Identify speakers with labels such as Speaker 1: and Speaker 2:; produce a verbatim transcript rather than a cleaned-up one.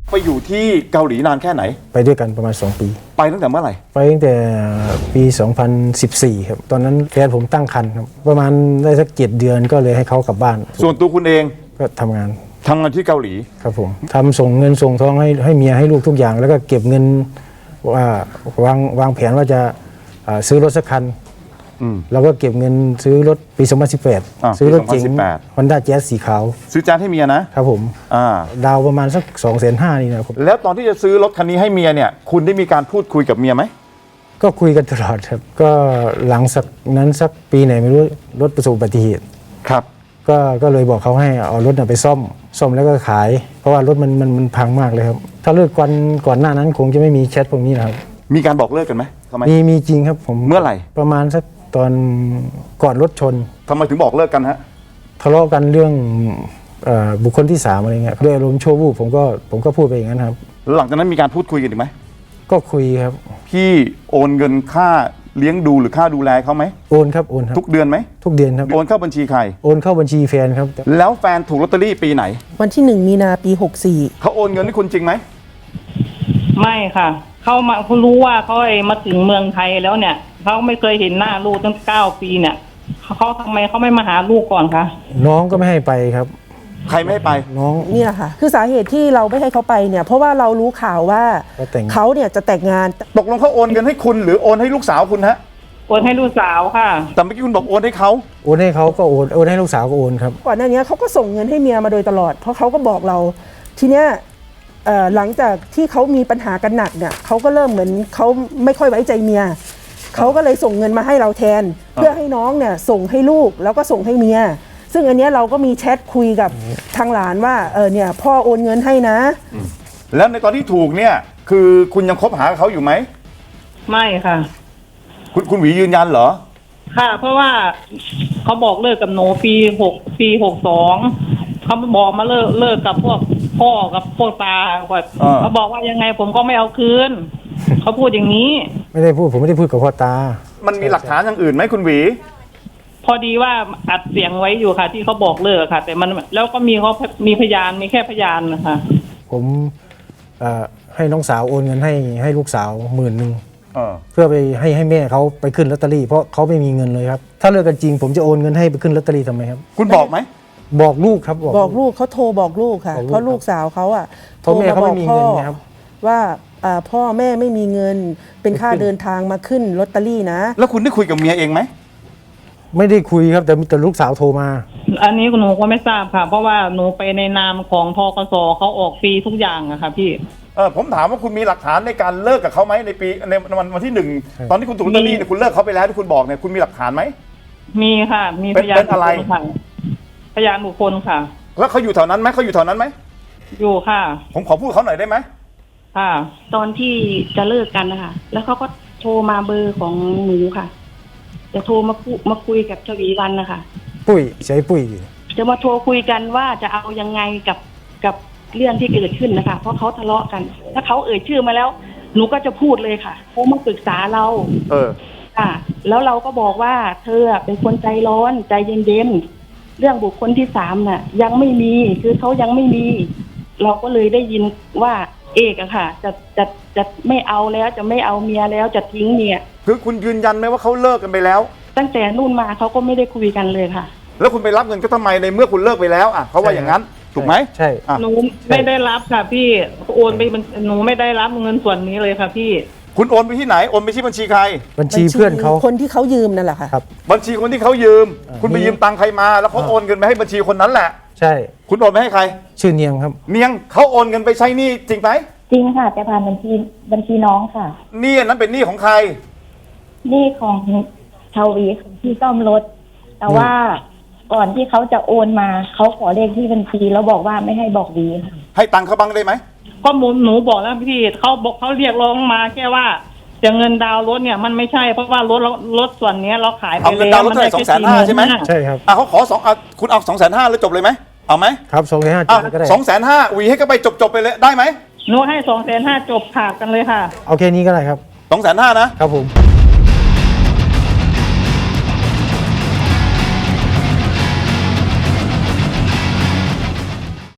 Speaker 1: ไปอยู่ที่เกาหลีนานแค่ไหน
Speaker 2: ไปด้วยกันประมาณสองปี
Speaker 1: ไปตั้งแต่เมื่อไหร่
Speaker 2: ไปตั้งแต่ปีสองพันสิบสี่ครับตอนนั้นแฟนผมตั้งครรภ์ครับประมาณได้สักเจ็ดเดือนก็เลยให้เขากลับบ้าน
Speaker 1: ส่วนตัวคุณเอง
Speaker 2: ก็ทำงาน
Speaker 1: ทำงานที่เกาหลี
Speaker 2: ครับผมทำส่งเงินส่งทองให้ให้เมียให้ลูกทุกอย่างแล้วก็เก็บเงินว่าวางวางแผนว่าจะซื้อรถสักคันเราก็เก็บเงินซื้อรถปีสองพันสิบแปดซื้อรถเก๋ง Honda Jazz สีขาว
Speaker 1: ซื้อแจ๊สให้เมียนะครับ
Speaker 2: ผมดาวประมาณสักสองแสนห้านี่นะครับ
Speaker 1: แล้วตอนที่จะซื้อรถคันนี้ให้เมียเนี่ยคุณได้มีการพูดคุยกับเมียไหม
Speaker 2: ก็คุยกันตลอดครับก็หลังสักนั้นสักปีไหนไม่รู้รถประสบอุบัติเหตุ
Speaker 1: ครับ
Speaker 2: ก็ก็เลยบอกเขาให้เอารถไปซ่อมซ่อมแล้วก็ขายเพราะว่ารถมันมันมันพังมากเลยครับถ้าเลิกก่อนก่อนหน้านั้นคงจะไม่มีแชทพวกนี้นะครับ
Speaker 1: มีการบอกเลิกกันไหมทำไม
Speaker 2: มีมีจริงครับผม
Speaker 1: เมื่อไหร่
Speaker 2: ประมาณสักตอนก่อนรถชน
Speaker 1: ทำไมถึงบอกเลิกกันฮะ
Speaker 2: ทะเลาะกันเรื่องบุคคลที่สามอะไรเงี้ยด้วยอารมณ์ชั่ววูบผมก็ผมก็พูดไปอย่างนั้นครับ
Speaker 1: หลังจากนั้นมีการพูดคุยกันอีกไหม
Speaker 2: ก็คุยครับ
Speaker 1: พี่โอนเงินค่าเลี้ยงดูหรือค่าดูแลเขาไหม
Speaker 2: โอนครับโอนครับ
Speaker 1: ทุกเดือนไหม
Speaker 2: ทุกเดือนครับ
Speaker 1: โอนเข้าบัญชีใคร
Speaker 2: โอนเข้าบัญชีแฟนครับ
Speaker 1: แล้วแฟนถูกลอตเตอรี่ปีไหน
Speaker 3: วันที่หนึ่งมีนาปีหกสี่
Speaker 1: เขาโอนเงินให้คุณจริงไหม
Speaker 4: ไม่ค่ะเขามาเขารู้ว่าเขาไอ้มาถึงเมืองไทยแล้วเนี่ยเขาไม่เคยเห็นหน้าลูกตั้งเก้าปีเนี่ยเขาทำไมเขาไม่มาหาลูกก่อนคะ
Speaker 2: น้องก็ไม่ให้ไปครับ
Speaker 1: ใครไม่ให้ไป
Speaker 2: น้อง
Speaker 3: เนี่ยค่ะคือสาเหตุที่เราไม่ให้เขาไปเนี่ยเพราะว่าเรารู้ข่าวว่าเขาเนี่ยจะแต่งงาน
Speaker 1: ตกลงเขาโอนเงินให้คุณหรือโอนให้ลูกสาวคุณฮะ
Speaker 4: โอนให้ลูกสาวค่ะ
Speaker 1: แต่เมื่อกี้คุณบอกโอนให้เขา
Speaker 2: โอนให้เขาก็โอนโอนให้ลูกสาวก็โอนครับ
Speaker 3: ก่อนหน้านี้เขาก็ส่งเงินให้เมียมาโดยตลอดเพราะเขาก็บอกเราทีเนี้ยหลังจากที่เขามีปัญหากันหนักเนี่ยเขาก็เริ่มเหมือนเขาไม่ค่อยไว้ใจเมียเขาก็เลยส่งเงินมาให้เราแทนเพื่อให้น้องเนี่ยส่งให้ลูกแล้วก็ส่งให้เมียซึ่งอันนี้เราก็มีแชทคุยกับทางหลานว่าเออเนี่ยพ่อโอนเงินให้นะ
Speaker 1: แล้วในตอนที่ถูกเนี่ยคือคุณยังคบหาเขาอยู่ไหม
Speaker 4: ไม่ค่ะ
Speaker 1: คุณคุณหวียืนยันเหรอ
Speaker 4: ค่ะเพราะว่าเขาบอกเลิกกับหนูปีหกปีหกสองเขาบอกมาเลิกเลิกกับพวกพ่อกับพวกตาเขาบอกว่ายังไงผมก็ไม่เอาคืนเขาพูดอย่างนี้
Speaker 2: ไม่ได้พูดผมไม่ได้พูดกับพ่อตา
Speaker 1: มันมีหลักฐานอย่างอื่นไหมคุณหวี
Speaker 4: พอดีว่าอัดเสียงไว้อยู่ค่ะที่เขาบอกเลิกค่ะแต่มันแล้วก็มีเขามีพยานมีแค่พยานนะคะ
Speaker 2: ผมให้น้องสาวโอนเงินให้ให้ลูกสาวหมื่นหนึ่งเพื่อไปให้ให้แม่เขาไปขึ้นลอตเตอรี่เพราะเขาไม่มีเงินเลยครับถ้าเลิกกันจริงผมจะโอนเงินให้ไปขึ้นลอตเตอรี่ทำไมครับ
Speaker 1: คุณบอกไหม
Speaker 2: บอกลูกครับ
Speaker 3: บอกลูกเขาโทรบอกลูกค่ะเพราะลูกสาวเขาอ่ะ
Speaker 2: โทรมาบอกพ่อ
Speaker 3: ว่าพ่อแม่ไม่มีเงินเป็นค่าเดินทางมาขึ้นลอตเตอรี่นะ
Speaker 1: แล้วคุณได้คุยกับเมียเองไหม
Speaker 2: ไม่ได้คุยครับแต่แต่ลูกสาวโทรมา
Speaker 4: อันนี้หนูก็ไม่ทราบค่ะเพราะว่าหนูไปในนามของทกสเขาออกฟรีทุกอย่างอะค่ะพี่
Speaker 1: เออผมถามว่าคุณมีหลักฐานในการเลิกกับเขาไหมในปีในวันวันที่หนึ่งตอนที่คุณถูกลอตเตอรี่เนี่ยคุณเลิกเขาไปแล้วที่คุณบอกเนี่ยคุณมีหลักฐานไหม
Speaker 4: มีค่ะมีพยานบุคคลค่ะพยานบุคคลค่ะ
Speaker 1: แล้วเขาอยู่แถวนั้นไหมเขาอยู่แถวนั้นไหม
Speaker 4: อยู่ค่ะ
Speaker 1: ผมขอพูดเขาหน่อยได้ไหม
Speaker 4: ค่ะ
Speaker 5: ตอนที่จะเลิกกันนะคะแล้วเขาก็โทรมาเบอร์ของหนูค่ะจะโทรมาพูมาคุยกับชวีวันนะคะ
Speaker 2: ปุ้ยใช้ปุ้ย
Speaker 5: จะมาโทรคุยกันว่าจะเอายังไงกับกับเรื่องที่เกิดขึ้นนะคะเพราะเขาทะเลาะกันถ้าเขาเอ่ยชื่อมาแล้วหนูก็จะพูดเลยค่ะเขามาปรึกษาเรา
Speaker 1: เออ
Speaker 5: ค่ะแล้วเราก็บอกว่าเธอเป็นคนใจร้อนใจเย็นๆเรื่องบุคคลที่สามน่ะยังไม่มีคือเขายังไม่มีเราก็เลยได้ยินว่าเอกอะค่ะจะจะจะไม่เอาแล้วจะไม่เอาเมียแล้วจะทิ้งเมีย
Speaker 1: คือคุณยืนยันไหมว่าเขาเลิกกันไปแล้ว
Speaker 5: ตั้งแต่นู่นมาเขาก็ไม่ได้คุยกันเลยค่ะ
Speaker 1: แล้วคุณไปรับเงินก็ทำไมในเมื่อคุณเลิกไปแล้วอ่ะเขาว่าอย่างนั้นถูกไหม
Speaker 2: ใช่
Speaker 4: หนูไม่ได้รับค่ะพี่โอนไปหนูไม่ได้รับเงินส่วนนี้เลยค่ะพี่
Speaker 1: คุณโอนไปที่ไหนโอนไปที่บัญชีใคร
Speaker 2: บัญชีเพื่อนเขา
Speaker 3: คนที่เขายืมนั่นแหละค่ะ
Speaker 1: บัญชีคนที่เขายืมคุณไปยืมตังค์ใครมาแล้วเขาโอนเงินไปให้บัญชีคนนั้นแหละ
Speaker 2: ใช่
Speaker 1: คุณโอนไปให้ใคร
Speaker 2: ชื่อเนียงครับ
Speaker 1: เนียงเขาโอนเงินไปใช้หนี้จริงไหม
Speaker 5: จริงค่ะแต่ผ่านบัญชีบัญชีน้องค่ะ
Speaker 1: หนี้นั้นเป็นหนี้ของใคร
Speaker 5: หนี้ของชาววีที่ซ่อมรถแต่ว่าก่อนที่เขาจะโอนมาเขาขอเลขที่บัญชีแล้วบอกว่าไม่ให้บอกวีค่ะ
Speaker 1: ให้ตังค์เขาบ้างได้ไหม
Speaker 4: ก็หมุนหนูบอกแล้วพี่เขาบอกเขาเรียกร้องมาแค่ว่าจะเงินดาวรถเนี่ยมันไม่ใช่เพราะว่ารถรถส่วนนี้เราขายไปแล้ว
Speaker 1: เอาเงินดาวรถเท่าไหร่สองแสนห้าใช่ไหม
Speaker 2: ใช่ครับ
Speaker 1: อ่ะเขาขอสองคุณเอาสองแสนห้าแล้วจบเลยไหมเอาไหม
Speaker 2: ครับสองแสนห้าจบก็ได้
Speaker 1: สองแสนห้าวีให้ก็ไปจบจบไปเลยได้ไหม
Speaker 4: หนูให้สองแสนห้าจบขาดกันเลยค่ะ
Speaker 2: เอาแค่นี้ก็ได้ครับ
Speaker 1: สองแสนห้านะครับ
Speaker 2: ผม